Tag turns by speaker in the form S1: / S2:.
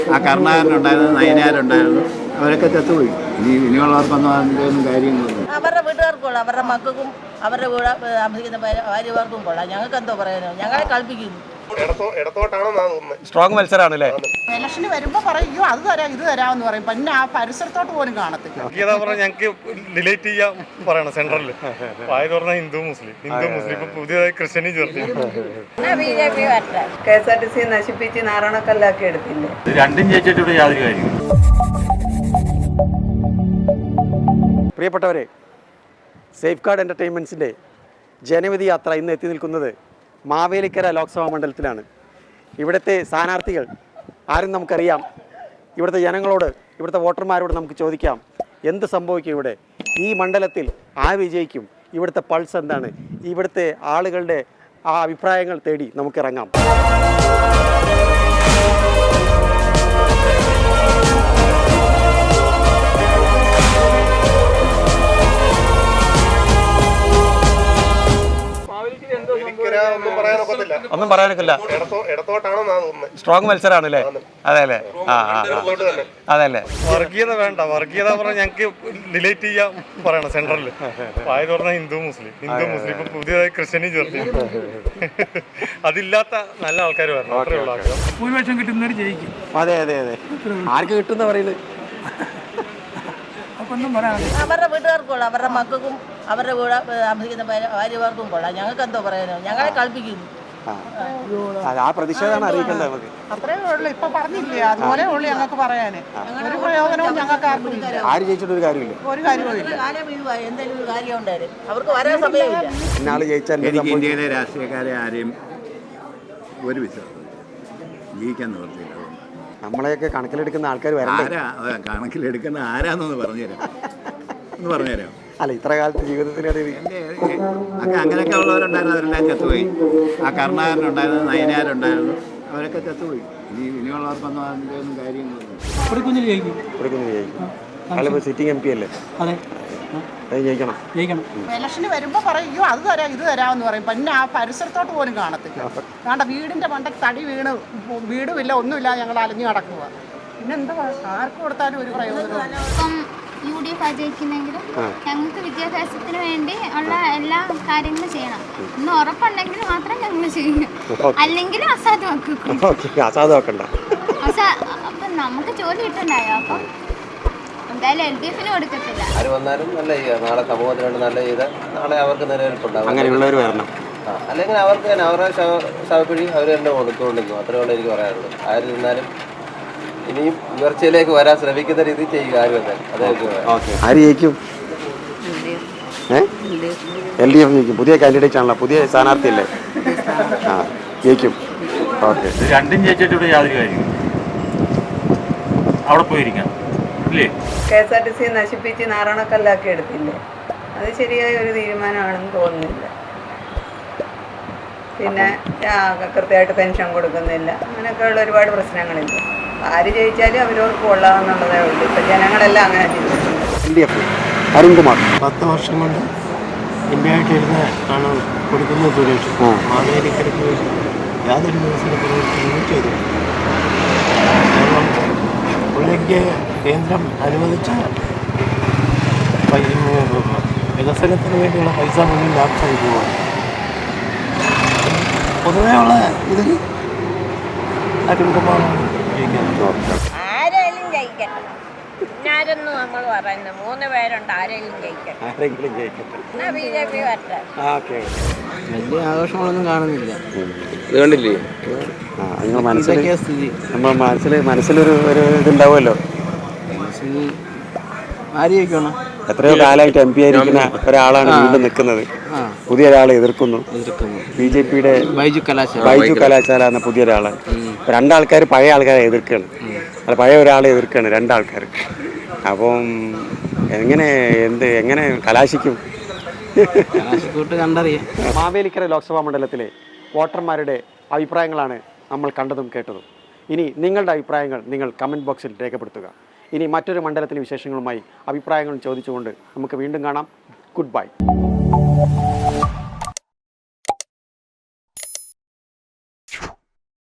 S1: ആ കർണാകരനുണ്ടായിരുന്നു, നയനാരുണ്ടായിരുന്നു, അവരൊക്കെ ചത്തുപോയി. ഇനിയുള്ളവർക്കൊന്നും അതിൻ്റെ ഒന്നും കാര്യങ്ങളൊന്നും.
S2: അവരുടെ വീട്ടുകാർക്ക് കൊള്ളാം, അവരുടെ മക്കൾക്കും അവരുടെ വീട് താമസിക്കുന്ന ഭാര്യമാർക്കും കൊള്ളാം. ഞങ്ങൾക്ക് എന്തോ പറയാനോ, ഞങ്ങളെ കളിപ്പിക്കുന്നു.
S3: സ്ട്രോങ് മത്സരമാണല്ലേ?
S4: ഇലക്ഷന് വരുമ്പോ പറയും അത് തരാം ഇത് തരാമെന്ന് പറയും, പിന്നെ ആ പരിസരത്തോട്ട് പോലും കാണത്തില്ല.
S5: ഞങ്ങൾക്ക് ഡിലേറ്റ് ചെയ്യാൻ പറയണം സെൻട്രലിൽ. ആയ പറഞ്ഞാൽ ഹിന്ദു മുസ്ലിം ഇപ്പൊ പുതിയതായി ക്രിസ്ത്യനും ചേർത്തി.
S6: KSRTC നശിപ്പിച്ച് നാരായണക്കല്ലാക്കി എടുത്തില്ലേ?
S3: രണ്ടും ജയിച്ചിട്ട് യാതൊരു കാര്യം. പ്രിയപ്പെട്ടവരെ, സേഫ് ഗാർഡ് എൻ്റർടൈൻമെൻറ്റ്സിൻ്റെ ജനവിധി യാത്ര ഇന്ന് എത്തി നിൽക്കുന്നത് മാവേലിക്കര ലോക്സഭാ മണ്ഡലത്തിലാണ്. ഇവിടുത്തെ സ്ഥാനാർത്ഥികൾ ആരും നമുക്കറിയാം. ഇവിടുത്തെ ജനങ്ങളോട്, ഇവിടുത്തെ വോട്ടർമാരോട് നമുക്ക് ചോദിക്കാം, എന്ത് സംഭവിക്കും ഇവിടെ, ഈ മണ്ഡലത്തിൽ വിജയിക്കും, ഇവിടുത്തെ പൾസ് എന്താണ്, ഇവിടുത്തെ ആളുകളുടെ ആ അഭിപ്രായങ്ങൾ തേടി നമുക്കിറങ്ങാം. ഒന്നും പറയാനൊക്കില്ല. സ്ട്രോങ് മത്സരമാണല്ലേ? അതെ അല്ലേ? അതെ അല്ലേ?
S5: വർഗീയത വേണ്ട. വർഗീയത പറഞ്ഞാൽ ഞങ്ങൾക്ക് ഡിലേറ്റ് ചെയ്യാൻ പറയണം സെൻട്രലിൽ. ആയ പറഞ്ഞാൽ ഹിന്ദു മുസ്ലിം ഇപ്പൊ പുതിയതായി ക്രിസ്ത്യനും ചേർത്തി. അതില്ലാത്ത നല്ല ആൾക്കാർ വരണം, അത്രേ ഉള്ളൂ ആഗ്രഹം.
S4: ഭൂരിപക്ഷം കിട്ടുന്നവർ ജയിക്കും.
S3: അതെ അതെ അതെ. ആർക്ക് കിട്ടുന്ന പറയുന്നത്?
S2: അവരുടെ വീട്ടുകാർക്ക് കൊള്ളാം, അവരുടെ മക്കൾക്കും അവരുടെ വീട് താമസിക്കുന്ന ഭാര്യമാർക്കും കൊള്ളാം. ഞങ്ങൾക്ക് എന്തോ പറയാനോ, ഞങ്ങളെ കളിപ്പിക്കുന്നു.
S3: ആ പ്രതിഷേധമാണ് അറിയിക്കേണ്ടത് നമുക്ക്.
S4: അത്രേ ഉള്ളൂ. ഇപ്പൊ പറഞ്ഞില്ലേ, അതുപോലെ ഉള്ളു ഞങ്ങൾക്ക് പറയാന്. ഒരു പ്രയോജനവും ഞങ്ങൾക്ക് ആർക്കും ഇല്ല.
S3: ആര് ജയിച്ചിട്ടൊരു കാര്യമില്ല,
S4: ഒരു കാര്യവും ഇല്ല.
S2: എന്തെങ്കിലും ഒരു കാര്യം ഉണ്ടായിരുന്നു, അവർക്ക് വരാൻ സമയമില്ല.
S3: ഇന്നാള് ജയിച്ചാൽ
S1: എനിക്ക് ഇന്ത്യയിലെ രാഷ്ട്രീയക്കാരെ ആരെയും ഒരു വിശ്വാസം ജീവിക്കാൻ നിവർത്തിയില്ല.
S3: നമ്മളെയൊക്കെ കണക്കിലെടുക്കുന്ന ആൾക്കാർ വരണ്ടേ?
S1: കണക്കിലെടുക്കുന്ന ആരാന്നൊന്ന് പറഞ്ഞുതരാം, ഒന്ന് പറഞ്ഞുതരാം.
S3: അല്ല, ഇത്ര കാലത്ത് ജീവിതത്തിനിടയിൽ
S1: അങ്ങനെയൊക്കെ ഉള്ളവരുണ്ടായിരുന്നു, അവരെല്ലാം ചത്തുപോയി. ആ കർണാകരനുണ്ടായിരുന്നു, നയനാരുണ്ടായിരുന്നു, അവരൊക്കെ ചത്തുപോയി. ഇനിയുള്ളവർക്കൊന്നും അതിൻ്റെ ഒന്നും കാര്യങ്ങളൊന്നും.
S7: കുഞ്ഞിൽ ജയിക്കും.
S3: സിറ്റിംഗ് MP അല്ലേ?
S7: അതെ,
S4: ജയിക്കണം. ഇലക്ഷന് വരുമ്പോ പറയും അത് തരാം ഇത് തരാമെന്ന് പറയും, പിന്നെ ആ പരിസരത്തോട്ട് പോലും കാണത്തില്ല. കാരണം വീടിന്റെ മണ്ടയ്ക്ക് തടി വീണ് വീടുമില്ല, ഒന്നുമില്ല, ഞങ്ങൾ അലഞ്ഞു കിടക്കുക. പിന്നെന്താ, ആർക്ക് കൊടുത്താലും ഒരു പ്രയോജനം.
S8: UDF ജയിക്കുന്നെങ്കിലും ഞങ്ങൾക്ക് വിദ്യാഭ്യാസത്തിന് വേണ്ടി ഉള്ള എല്ലാ കാര്യങ്ങളും ചെയ്യണം എന്ന് ഉറപ്പുണ്ടെങ്കിൽ മാത്രം ഞങ്ങൾ ചെയ്യും, അല്ലെങ്കിൽ
S3: അസാധുവാക്കണ്ട.
S8: അപ്പം നമുക്ക് ജോലി കിട്ടണ്ടായോ? അപ്പം എന്തായാലും LDF കൊടുക്കത്തില്ല.
S9: ആര് വന്നാലും നല്ല ചെയ്യുക, നാളെ സമൂഹത്തിന് വേണ്ടി നല്ല ചെയ്താൽ നാളെ അവർക്ക് നിലനിൽപ്പുണ്ടാകും.
S3: അങ്ങനെയുള്ളവർ വരണം.
S9: അല്ലെങ്കിൽ അവർക്ക് തന്നെ അവരുടെ ശവക്കുഴി അവർ തന്നെ കൊടുത്തുകൊണ്ടിരിക്കും. അത്രേ ഉള്ളൂ എനിക്ക് പറയാനുള്ളൂ. ആര് നിന്നാലും ഇനിയും ഉയർച്ചയിലേക്ക് വരാൻ ശ്രമിക്കുന്ന രീതി ചെയ്യുക. ആര് വന്നാലും
S3: ആര് ജയിക്കും? LDF ജയിക്കും. പുതിയ കാൻഡിഡേറ്റ് ആണല്ലോ, പുതിയ സ്ഥാനാർത്ഥി അല്ലേ? ജയിക്കും. ഓക്കെ.
S7: രണ്ടും ജയിച്ചിട്ട് യാതൊരു കാര്യം. അവിടെ പോയിരിക്കാം.
S6: KSRTC നശിപ്പിച്ച് നാരായണക്കല്ലാക്കി എടുത്തില്ലേ? അത് ശരിയായ ഒരു തീരുമാനമാണെന്ന് തോന്നുന്നില്ല. പിന്നെ കൃത്യമായിട്ട് പെൻഷൻ കൊടുക്കുന്നില്ല, അങ്ങനെയൊക്കെയുള്ള ഒരുപാട് പ്രശ്നങ്ങളില്ല. ആര് ജയിച്ചാലും അവരവർക്ക് കൊള്ളാമെന്നുള്ളതേ ഉള്ളൂ. ഇപ്പം ജനങ്ങളെല്ലാം അങ്ങനെ ചിന്തിക്കുന്നത്.
S3: അരുൺകുമാർ
S10: 10 വർഷം കൊണ്ട് ഇന്ത്യയായിട്ടിരുന്ന ആണ് കൊടുക്കുന്നത്. സുരേഷ് മാവേലിക്കരയ്ക്ക് വേണ്ടി യാതൊരു ദിവസത്തിന് പ്രവർത്തനവും ചെയ്തു. കാരണം പുള്ളിക്ക് കേന്ദ്രം അനുവദിച്ച വികസനത്തിന് വേണ്ടിയുള്ള പൈസ മുന്നിൽ ലാഭമായി പോവാണ്. പൊതുവെയുള്ള ഇതിൽ അരുൺകുമാറാണ് ജയിക്കുന്നത്.
S2: ആരെങ്കിലും ജയിക്കട്ടെ, പിന്നാരെന്ന് നമ്മൾ പറയുന്നത് 3 പേരുണ്ട്, ആരെങ്കിലും ജയിക്കട്ടെ. എന്നാ BJP വരട്ടെ.
S10: വലിയ ആഘോഷങ്ങളൊന്നും കാണുന്നില്ല.
S9: ഇത് കണ്ടില്ലേ?
S3: മനസ്സിലൊരു ഇതുണ്ടാവുമല്ലോ.
S10: ആര് ജയിക്കണം?
S3: എത്രയോ കാലമായിട്ട് MP ആയിരിക്കുന്ന ഒരാളാണ് വീണ്ടും നിൽക്കുന്നത്. പുതിയ ഒരാളെ എതിർക്കുന്നു. BJPയുടെ ബൈജു കലാശാല എന്ന പുതിയ ഒരാളാണ്. 2 ആൾക്കാർ പഴയ ആൾക്കാരെ എതിർക്കുകയാണ്. അല്ല, പഴയ ഒരാളെ എതിർക്കുകയാണ് 2 ആൾക്കാർ. അപ്പം എങ്ങനെ കലാശിക്കും?
S10: കണ്ടറിയാം.
S3: മാവേലിക്കര ലോക്സഭാ മണ്ഡലത്തിലെ വോട്ടർമാരുടെ അഭിപ്രായങ്ങളാണ് നമ്മൾ കണ്ടതും കേട്ടതും. ഇനി നിങ്ങളുടെ അഭിപ്രായങ്ങൾ നിങ്ങൾ കമൻറ്റ് ബോക്സിൽ രേഖപ്പെടുത്തുക. ഇനി മറ്റൊരു മണ്ഡലത്തിലെ വിശേഷങ്ങളുമായി അഭിപ്രായങ്ങൾ ചോദിച്ചുകൊണ്ട് നമുക്ക് വീണ്ടും കാണാം. Good by.